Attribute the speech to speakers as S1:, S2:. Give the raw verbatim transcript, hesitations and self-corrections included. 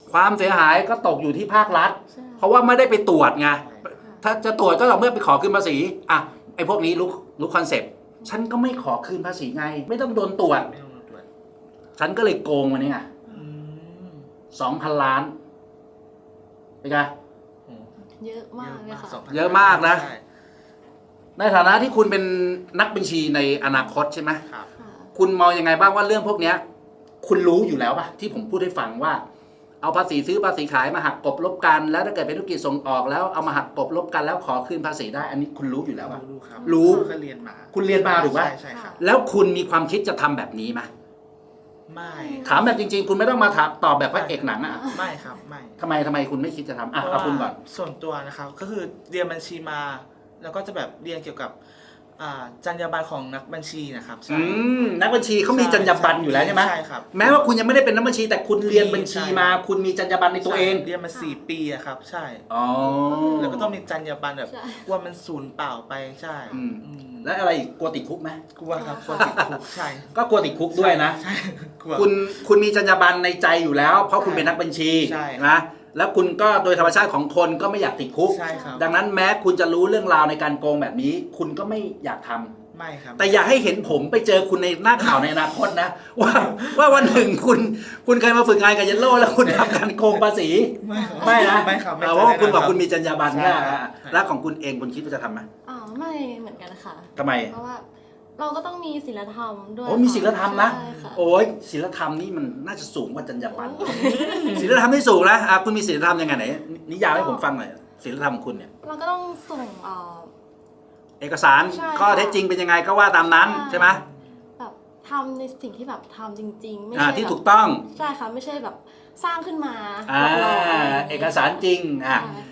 S1: ความเสียหายก็ตกอยู่ที่ภาครัฐ
S2: ใช่
S1: เพราะว่าไม่ได้ไปตรวจไงถ้าจะตรวจก็ต่อเมื่อไปขอคืนภาษีอ่ะไอ้พวกนี้รู้รู้คอนเซปต์ฉันก็ไม่ขอคืนภาษีไง ไม่ต้องโดนตรวจ
S3: ไม่ต้องมาตรวจ
S1: ฉันก็เลยโกงมันนี่ไง
S3: อืม
S1: สองพันล้านเป็นไง
S3: โอ้
S2: เยอะมากเลยค่ะ
S3: สงพัน
S1: เยอะมากนะ
S3: ใช่
S1: ในฐานะที่คุณเป็นนักบัญชีในอนาคตใช่ไหม
S3: ครับ
S2: ค่ะ
S1: คุณมองยังไงบ้างว่าเรื่องพวกเนี้ย คุณรู้อยู่แล้วป่ะที่ผมพูดให้ฟังว่า เอาภาษีซื้อภาษีขายมาหักกลบลบกันแล้วถ้าเกิดเป็นธุรกิจส่งออกแล้วเอามาหักกลบลบกันแล้วขอคืนภาษีได้ อันนี้คุณรู้อยู่แล้วป่ะ
S3: รู้ครับ
S1: รู้
S3: ก็เรียนมา
S1: คุณเรียนมาถูกปะ
S3: ใช่ใช่ครับ
S1: แล้วคุณมีความคิดจะทำแบบนี้ไหม
S3: ไม่
S1: ถามแบบจริง ๆ คุณไม่ต้องมาถามตอบแบบพระเอกหนังอ่ะ
S3: ไม่ครับไม่
S1: ทำไมทำไมคุณไม่คิดจะทำอ่ะ
S3: เพราะ
S1: เอา
S3: ว่า
S1: คุณก่อน
S3: ส่วนตัวนะครับก็คือเรียนบัญชีมา แล้วก็จะแบบเรียนเกี่ยวกับอ่าจรรยาบรรณของนักบัญชีนะครับใช่
S1: อืมนักบัญชีเขามีจรรยาบรรณอยู่แล้วใช่ไหม
S3: ใช่ครับ
S1: แม้ว่าคุณยังไม่ได้เป็นนักบัญชี แต่คุณเรียนบัญชีมา
S3: ใช่
S1: คุณมีจรรยาบรรณในตัวเอง
S3: ใช่เรียนมาสี่ปีอะครับ ใช่
S1: อ๋อ
S3: แล้วก็ต้องมีจรรยาบรรณแบบ
S2: ใช่
S3: กลัวมันสูญเปล่าไปใช่
S1: อืม
S3: อืม
S1: แล้วอะไรอีกกลัวติดคุกไหม
S3: กลัวครับกลัวติดคุกใช่
S1: ก็กลัวติดคุกด้วยนะ
S3: ใช่กลัว
S1: คุณคุณมีจรรยาบรรณในใจอยู่แล้ว เพราะคุณ
S3: ใช่
S1: เป็นนักบัญชี
S3: ใช่
S1: นะแล้วคุณก็โดยธรรมชาติของคนก็ไม่อยากติดคุก
S3: ใช่ครับ
S1: ดังนั้นแม้คุณจะรู้เรื่องราวในการโกงแบบนี้ คุณก็ไม่อยากทำ
S3: ไม่ครับ
S1: แต่อย่าให้เห็นผมไปเจอคุณในหน้าข่าวในอนาคตนะ ว่าว่าวันหนึ่งคุณคุณเคยมาฝึกงานกับเยลโล่แล้วคุณทำการโกงภาษี
S3: ไม่ครับ
S1: ไม่นะ
S3: ไม่ครับไม่
S1: เออเพราะว่าคุณบอก
S3: รับ
S1: คุณมีจรรยาบรรณ
S3: ใช่
S1: นะครับ แล้วของคุณเองคุณคิดว่าจะทำไหม
S2: อ๋อไม่เหมือนกันค่ะ
S1: ทำไม
S2: เพราะว่าเราก็ต้องมีศีลธรรมด้วย
S1: โอ้มีศีลธรรมนะ
S2: ใช่ค่ะ
S1: โอ้ยศีลธรรมนี่มันน่าจะสูงกว่าจรรยาบรรณศีลธรรมที่สูงนะอ่ะคุณมีศีลธรรมยังไงไหนนิยามให้ผมฟังหน่อยศีลธรรมของคุณเนี่ย
S2: เราก็ต้องส่งเอ่อ
S1: เอกสาร
S2: ใช่
S1: ข้อเท็จจริงเป็นยังไงก็ว่าตามนั้น
S2: ใช่
S1: ใช่ไหม
S2: แบบทำในสิ่งที่แบบทำจริง ๆ ไม่
S1: อ่า
S2: ใช่
S1: ที่
S2: แบบ
S1: ถูกต้อง
S2: ใช่ค่ะไม่ใช่แบบสร้างขึ้นมา
S1: อ่า
S2: หลอกๆะไรย่งงี้ย
S1: เอกสารจริงอ่ะ
S2: ใช่